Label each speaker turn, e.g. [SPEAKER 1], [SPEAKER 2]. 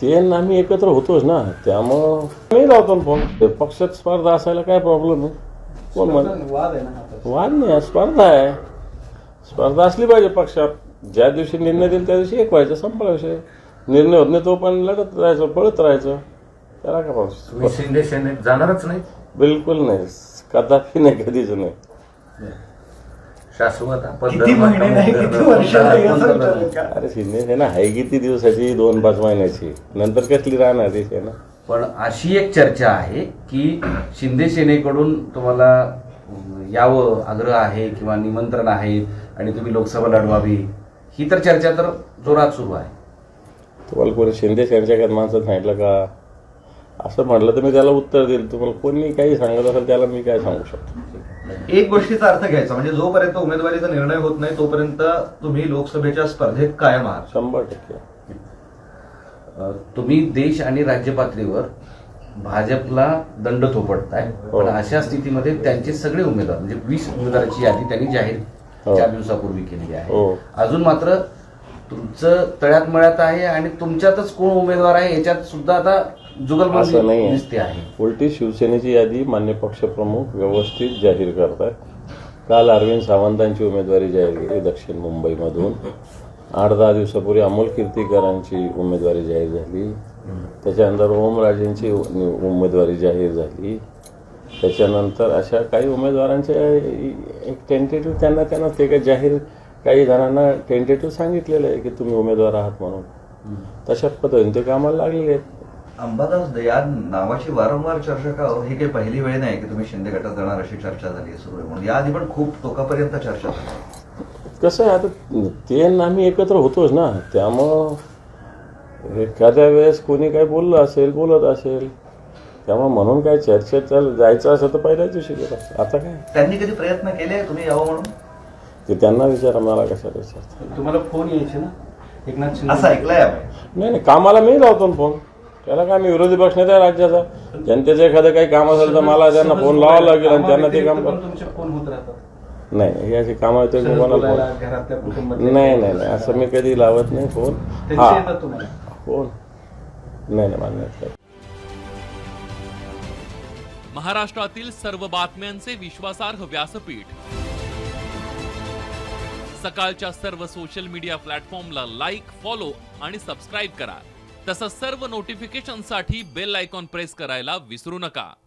[SPEAKER 1] ते आणि आम्ही एकत्र होतोच ना, त्यामुळं मी लावतो फोन. पक्षात स्पर्धा असायला काय प्रॉब्लेम आहे? कोण वाद नाही, स्पर्धा आहे. स्पर्धा असली पाहिजे पक्षात. ज्या दिवशी निर्णय देईल त्या दिवशी एक व्हायचं, संपला विषय. निर्णय होत नाही तो पण लढत राहायचं, पळत राहायचं. त्याला काय प्रॉब्लेम?
[SPEAKER 2] शिंदे सेनेत जाणारच नाही?
[SPEAKER 1] बिलकुल नाही, कदापि नाही, कधीच नाही.
[SPEAKER 2] शाश्वत
[SPEAKER 1] अरे शिंदे सेना आहे किती दिवसाची? 2-5 महिन्याची. नंतर कसली राहणार ती सेना?
[SPEAKER 2] पण अशी एक चर्चा आहे की शिंदे सेनेकडून तुम्हाला यावं आग्रह आहे किंवा निमंत्रण आहे आणि तुम्ही लोकसभा लढवावी, ही तर चर्चा तर जोरात सुरू आहे.
[SPEAKER 1] तुम्हाला कोणी शिंदे सेनेच्या माणसं सांगितलं का? असं म्हटलं तर मी त्याला उत्तर देईल. तुम्हाला कोणी काही सांगत असेल त्याला मी काय सांगू शकतो?
[SPEAKER 3] एक गोष्टीचा अर्थ घ्यायचा म्हणजे जोपर्यंत उमेदवारीचा निर्णय होत नाही तोपर्यंत तुम्ही लोकसभेच्या स्पर्धेत कायम आहात.
[SPEAKER 1] 100%.
[SPEAKER 2] तुम्ही देश आणि राज्य पातळीवर भाजपला दंड थोपटताय, पण अशा स्थितीमध्ये त्यांचे सगळे उमेदवार म्हणजे 20 उमेदवारांची यादी त्यांनी जाहीर 4 दिवसापूर्वी केली आहे. अजून मात्र तुमचं तळ्यात मळ्यात आहे आणि तुमच्यातच कोण उमेदवार आहे याच्यात सुद्धा आता जुगलबंदी दिसते आहे.
[SPEAKER 1] उलटी शिवसेनेची यादी मान्य पक्षप्रमुख व्यवस्थित जाहीर करतात. काल अरविंद सावंतांची उमेदवारी जाहीर केली दक्षिण मुंबईमधून. 8-10 दिवसापूर्वी अमोल कीर्तीकरांची उमेदवारी जाहीर झाली. त्याच्यानंतर ओमराजेंची उमेदवारी जाहीर झाली. त्याच्यानंतर अशा काही उमेदवारांचे एक टेंटेटिव्ह त्यांना ते काही जाहीर, काही जणांना टेंटेटिव्ह सांगितलेलं आहे की तुम्ही उमेदवार आहात म्हणून. तशा पद्धतीने ते कामाला लागलेले आहेत.
[SPEAKER 3] अंबादास या नावाची वारंवार चर्चा का हो? ही काही पहिली वेळ नाही की तुम्ही शिंदे गटात जाणार अशी चर्चा झाली सुरू आहे म्हणून. याआधी पण खूप टोकापर्यंत चर्चा झाली.
[SPEAKER 1] कसं आहे आता, ते आणि आम्ही एकत्र होतोच ना, त्यामुळं एखाद्या वेळेस कोणी काही बोलत असेल त्यामुळे म्हणून काय चर्चेत जायचं असं तर पहिल्याच दिवशी गेलं. आता काय
[SPEAKER 3] त्यांनी कधी प्रयत्न केले तुम्ही यावं म्हणून?
[SPEAKER 1] ते त्यांना विचारा, मला कशाला विचारतात?
[SPEAKER 4] तुम्हाला फोन यायचे ना एकनाथ शिंदे?
[SPEAKER 3] असं ऐकलंय
[SPEAKER 1] नाही, कामाला मी लावतो फोन. त्याला काय, मी विरोधी पक्ष नाही त्या राज्याचा. जनतेचं एखादं काही काम असेल तर मला त्यांना फोन लावावं लागेल आणि त्यांना ते काम कर.
[SPEAKER 4] तुमचे फोन होत राहतात?
[SPEAKER 1] नाही, हे अशी कामं येते कोणाला
[SPEAKER 4] घरातल्या
[SPEAKER 1] फोन?
[SPEAKER 4] कुटुंबातल्या?
[SPEAKER 1] नाही, असं मी कधी लावत नाही फोन.
[SPEAKER 4] त्यांचे येतात तुम्हाला
[SPEAKER 1] फोन? नाही, मान्य नाही.
[SPEAKER 5] महाराष्ट्रातील सर्व बातम्यांचे विश्वासार्ह व्यासपीठ, सकाळच्या सर्व सोशल मीडिया प्लॅटफॉर्मला लाईक, फॉलो आणि सबस्क्राईब करा. तसंच सर्व नोटिफिकेशनसाठी बेल आयकॉन प्रेस करायला विसरू नका.